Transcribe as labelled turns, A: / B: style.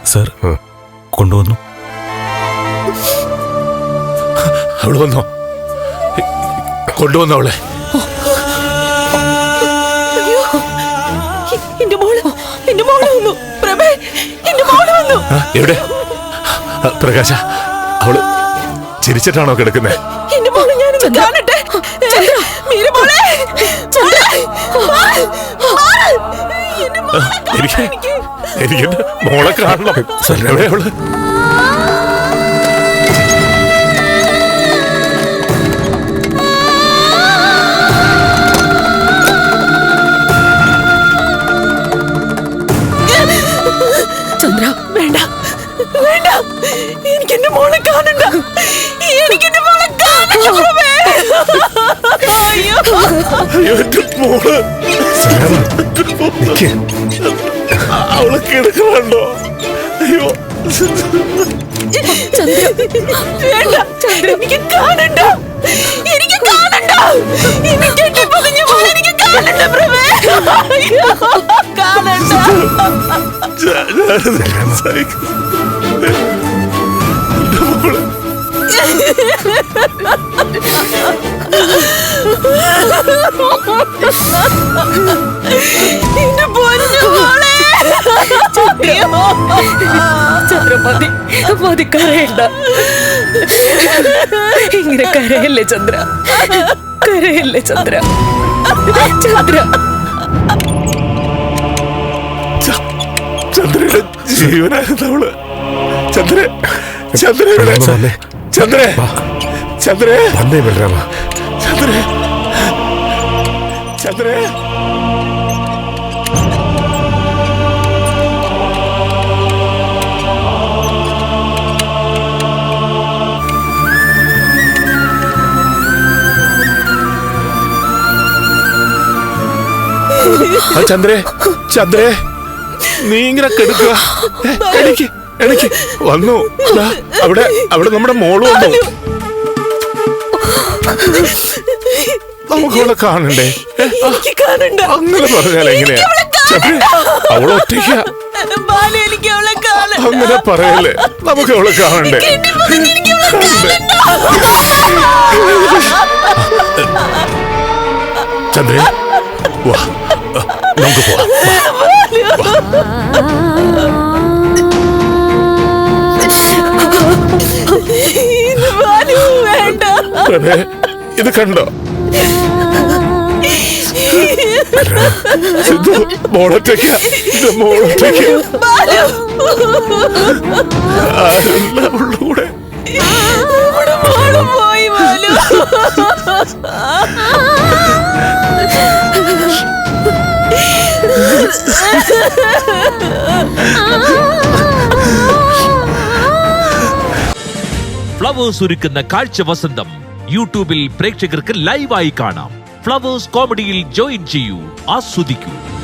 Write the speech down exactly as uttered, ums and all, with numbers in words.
A: Sir കൊണ്ടുവന്നു.
B: അവള് വന്നോ? കൊണ്ടുവന്നോ അവളെ? എവിടെ പ്രകാശ? അവള് ചിരിച്ചിട്ടാണോ കിടക്കുന്നത്? എനിക്ക് എനിക്ക് മോളെ കാണണം. എവിടെ അവള്?
C: ചന്ദ്ര വേണ്ട വേണ്ട, എനിക്ക് എന്റെ മോളെ കാണണ്ട. എനിക്ക് എന്റെ മോളെ കാണണ്ട.
B: അവള് കിടക്കണോ? അയ്യോ
C: വേണ്ട ചന്ദ്ര, എനിക്ക് കാണണ്ട. എനിക്ക് കാണണ്ട. എനിക്ക് എന്റെ പൊതിഞ്ഞ മോളെ എനിക്ക് കാണണ്ട പ്രഭേ. കാണണ്ട. ചന്ദ്ര മതി മതി, കരയണ്ട. ഇങ്ങനെ കരയല്ലേ ചന്ദ്ര, കരയല്ലേ ചന്ദ്ര. ചന്ദ്ര
B: ചന്ദ്രയുടെ ജീവനായിരുന്നവള്. ചന്ദ്ര ചന്ദ്ര ചന്ദ്ര ചന്ദ്ര വന്നേ ബലരാമ. ചന്ദ്ര ചന്ദ്ര ചന്ദ്രേ ചന്ദ്രേ നീ ഇങ്ങനെ കെടുക്കുക. എനിക്ക് എനിക്ക് വന്നു. അവിടെ അവിടെ നമ്മുടെ മോള് വന്നു. നമുക്ക് അവളെ കാണണ്ടേ? അങ്ങനെ പറഞ്ഞാൽ എങ്ങനെയാ? അവളെ ഒറ്റയ്ക്ക. അങ്ങനെ പറയല്ലേ, നമുക്ക് അവളെ കാണണ്ടേ? ചന്ദ്രേ വാ, നമുക്ക് പോവാം. ഇത് കണ്ടോ? മോളൊറ്റയ്ക്ക, മോളൊറ്റയ്ക്ക. ആരല്ല അവളുടെ കൂടെ?
D: ഫ്ലവേഴ്സ് ഒരുക്കുന്ന കാഴ്ച വസന്തം യൂട്യൂബിൽ പ്രേക്ഷകർക്ക് ലൈവായി കാണാം. ഫ്ലവേഴ്സ് കോമഡിയിൽ ജോയിൻ ചെയ്യൂ, ആസ്വദിക്കൂ.